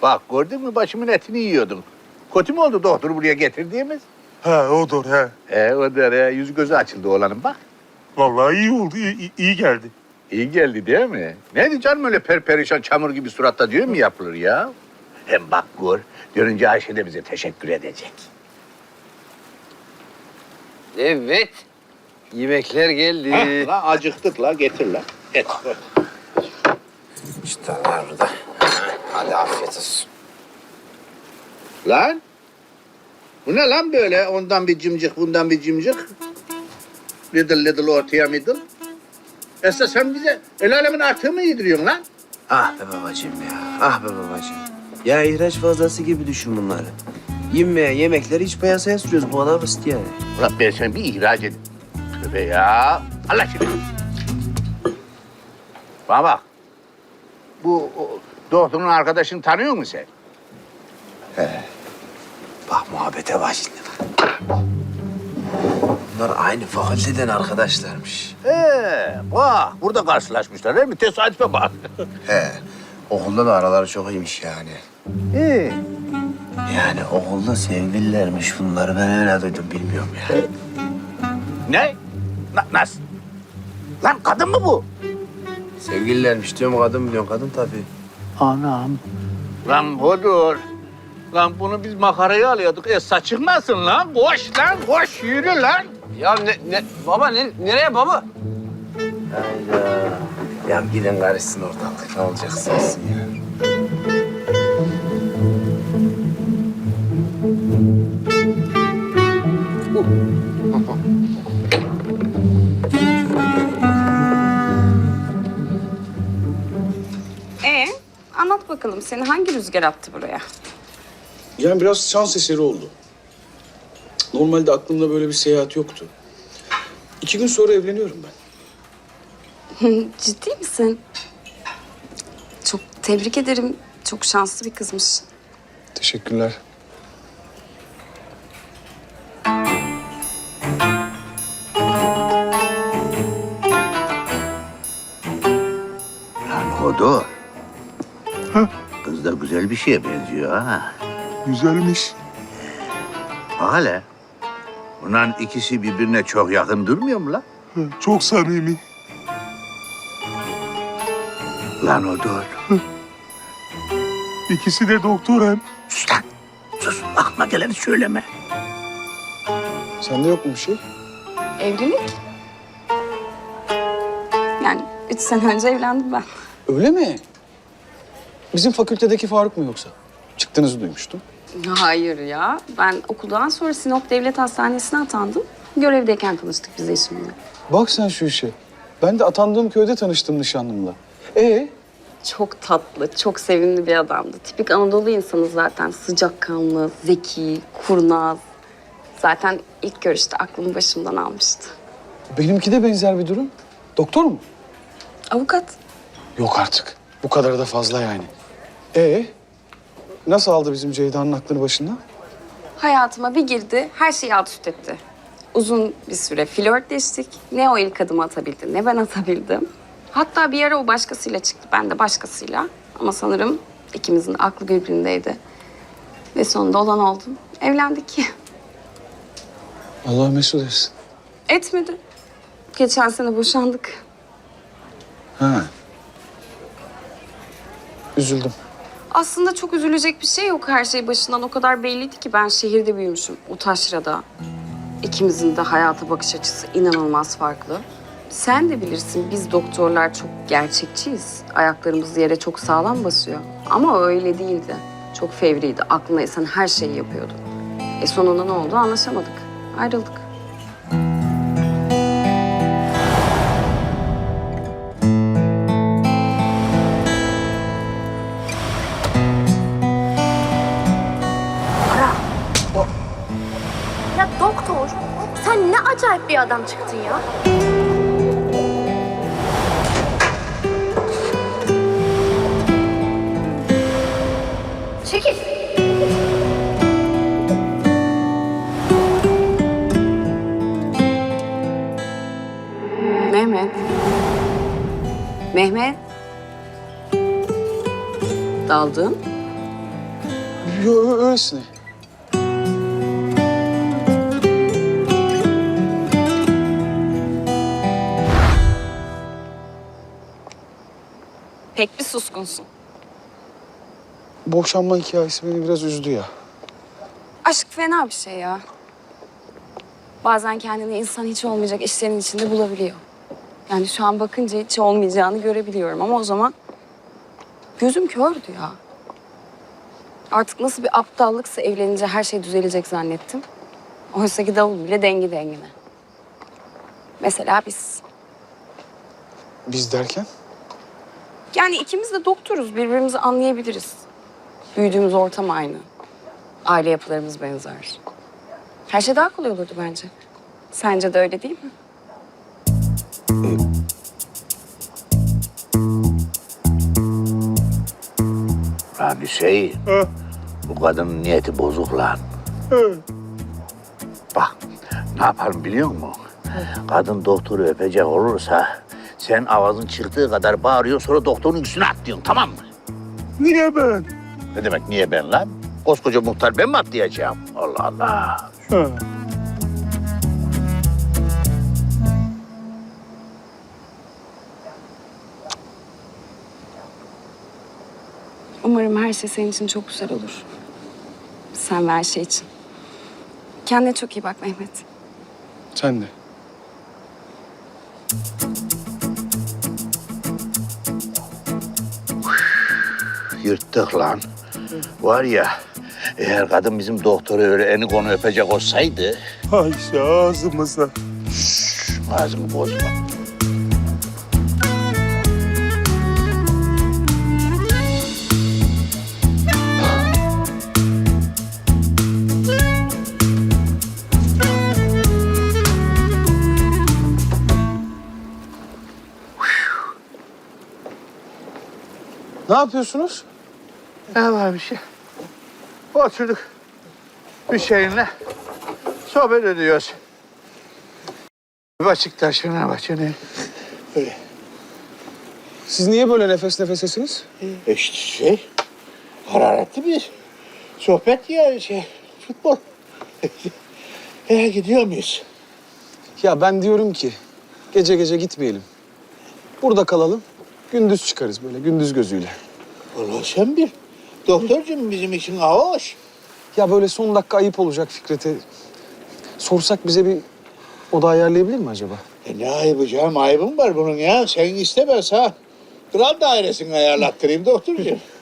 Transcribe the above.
Bak gördün mü başımın etini yiyordun. Kötü mü oldu doktoru buraya getirdiğimiz? Ha odur he. Odur ya. Yüzü gözü açıldı oğlanın bak. Vallahi iyi oldu, iyi geldi. İyi geldi değil mi? Neydi canım öyle perperişan çamur gibi suratta diyor mu yapılır ya? Hem bak gör, görünce Ayşe de bize teşekkür edecek. Evet. Yemekler geldi. La acıktık la getir la. Et. İşte var burada. Hadi afiyet olsun. Lan? Bu ne lan böyle? Ondan bir cimcik, bundan bir cimcik. Little ortaya middle. Esra sen bize el alemin artığı mı yediriyorsun lan? Ah be babacığım ya. Ah be babacığım. Ya ihraç fazlası gibi düşün bunları. Yemeğe yemekleri iç piyasaya sürüyoruz. Bu kadar basit yani. Ulan ben seni bir ihraç edeyim. Tövbe ya. Allah aşkına. Bana bak. Bu doktorun arkadaşını tanıyor musun sen? Bak muhabbete bak şimdi. Bunlar aynı fakülteden arkadaşlarmış. Bak burada karşılaşmışlar değil mi? Tesadüfe bak. He. Okulda da araları çok iyiymiş yani. Yani okulda sevgililermiş bunları. Ben öyle duydum bilmiyorum ya. Ne? Nasıl? Lan kadın mı bu? Sevgililermiş diyorum kadın mı diyorsun? Kadın tabii. Anam. Lan budur. Lan bunu biz makaraya alıyorduk. Çıkmasın lan. Koş lan, koş. Yürü lan. Ya baba nereye baba? Hayda. Ya gidin karışsın ortalık. Ne olacaksa olsun ya. Anlat bakalım seni hangi rüzgar attı buraya? Yani biraz şans eseri oldu. Normalde aklımda böyle bir seyahat yoktu. 2 gün sonra evleniyorum ben. Ciddi misin? Çok tebrik ederim. Çok şanslı bir kızmış. Teşekkürler. Lan Hodo. Kız da güzel bir şeye benziyor ha. Güzelmiş. Bak hele. Bunların ikisi birbirine çok yakın durmuyor mu lan? Çok samimi. Lan Hodo. İkisi de doktor hem. Sus lan. Sus. Aklıma geleni söyleme. Sende yok mu bir şey? Evlilik? Yani 3 sene önce evlendim ben. Öyle mi? Bizim fakültedeki Faruk mu yoksa? Çıktığınızı duymuştum. Hayır ya. Ben okuldan sonra Sinop Devlet Hastanesi'ne atandım. Görevdeyken tanıştık biz eşimle. Bak sen şu işe. Ben de atandığım köyde tanıştım nişanlımla. Çok tatlı, çok sevimli bir adamdı. Tipik Anadolu insanı zaten. Sıcakkanlı, zeki, kurnaz. Zaten ilk görüşte aklımı başımdan almıştı. Benimki de benzer bir durum. Doktor mu? Avukat. Yok artık. Bu kadar da fazla yani. Nasıl aldı bizim Ceyda'nın aklını başından? Hayatıma bir girdi, her şeyi alt üst etti. Uzun bir süre flörtleştik. Ne o ilk adımı atabildi, ne ben atabildim. Hatta bir ara o başkasıyla çıktı, ben de başkasıyla. Ama sanırım ikimizin aklı birbirindeydi. Ve sonunda olan oldu. Evlendik. Allah mesut etsin. Etmedi. Geçen sene boşandık. Ha. Üzüldüm. Aslında çok üzülecek bir şey yok. Her şey başından o kadar belliydi ki ben şehirde büyümüşüm. O taşrada. İkimizin de hayata bakış açısı inanılmaz farklı. Sen de bilirsin biz doktorlar çok gerçekçiyiz. Ayaklarımız yere çok sağlam basıyor. Ama öyle değildi. Çok fevriydi. Aklına esen her şeyi yapıyordu. Sonunda ne oldu anlaşamadık. Ayrıldık. Ya doktor, sen ne acayip bir adam çıktın ya. Çekil. Mehmet. Mehmet. Daldın. Yo, öylesine. Pek bir suskunsun. Boşanma hikayesi beni biraz üzdü ya. Aşk fena bir şey ya. Bazen kendini insan hiç olmayacak işlerin içinde bulabiliyor. Yani şu an bakınca hiç olmayacağını görebiliyorum ama o zaman gözüm kördü ya. Artık nasıl bir aptallıksa evlenince her şey düzelecek zannettim. Oysa ki davul bile dengi dengine. Mesela biz. Biz derken? Yani ikimiz de doktoruz, birbirimizi anlayabiliriz. Büyüdüğümüz ortam aynı. Aile yapılarımız benzer. Her şey daha kolay olurdu bence. Sence de öyle değil mi? Lan Hüseyin, Ha, bu kadının niyeti bozuk lan. ha. Bak, ne yapalım biliyor musun? Kadın doktoru öpecek olursa sen avazın çıktığı kadar bağırıyorsun, sonra doktorun üstüne atlıyorsun, tamam mı? Niye ben? Ne demek niye ben lan? Koskoca muhtar ben mi atlayacağım? Allah Allah. Ha. Umarım her şey senin için çok güzel olur. Sen ve her şey için. Kendine çok iyi bak Mehmet. Sen de. Yırttık lan. Var ya, eğer kadın bizim doktoru öyle eni konu öpecek olsaydı... Ayşe ağzımıza. Ağzımı bozma. Ne yapıyorsunuz? Ne var bir şey? Oturduk bir şeyinle sohbet ediyoruz. Beşiktaş'ın başını. Öyle. Siz niye böyle nefes nefesesiniz? İşte hararetli bir sohbet ya futbol. Gidiyor muyuz? Ya ben diyorum ki gece gece gitmeyelim. Burada kalalım. Gündüz çıkarız böyle gündüz gözüyle. Vallahi sen bir doktorcum bizim için hoş. Ya böyle son dakika ayıp olacak Fikret'e. Sorsak bize bir oda ayarlayabilir mi acaba? Ne ayıbı canım, ayıbım var bunun ya. Sen iste ben sana kral dairesini ayarlattırayım doktorcuğum.